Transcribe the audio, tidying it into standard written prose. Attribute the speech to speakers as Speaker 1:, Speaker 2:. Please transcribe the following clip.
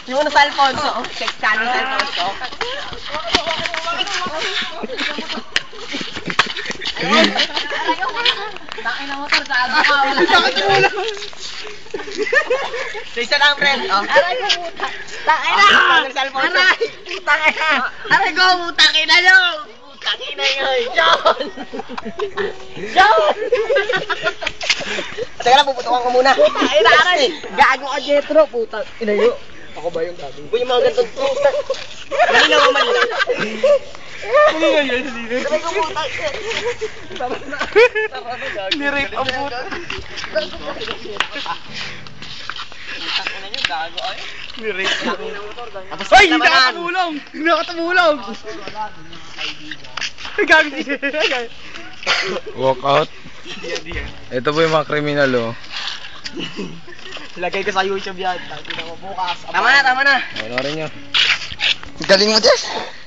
Speaker 1: Yung ano sa Alfonso. Check channel sa Alfonso. Takin na motor sa abo ka. Wala. Sa isa lang, friend. Aray ko, puta. Takin na. Aray. Takin na. Aray ko, takin na nyo. Takin na yun. John. John. Teka lang, puputukan ko muna. Takin na, aray. Gago ka, Jetro. Puta. Inayo. Ako ba yung gago? Uy, yung mga gantong puta. Malinaw o malinaw? Malinaw yun, malinaw. Aray ko, puta. Nirape ang puta. Gago ay. Nirape ang puta. Ay, hindi nakatumulong. Hindi nakatumulong. Gago siya.
Speaker 2: Walk out. Ito po yung mga kriminal, oh.
Speaker 1: Lagay ko sa YouTube yan. Bukas. Tama na, tama na.
Speaker 2: Ano rin nyo?
Speaker 3: Galing mo, Jess.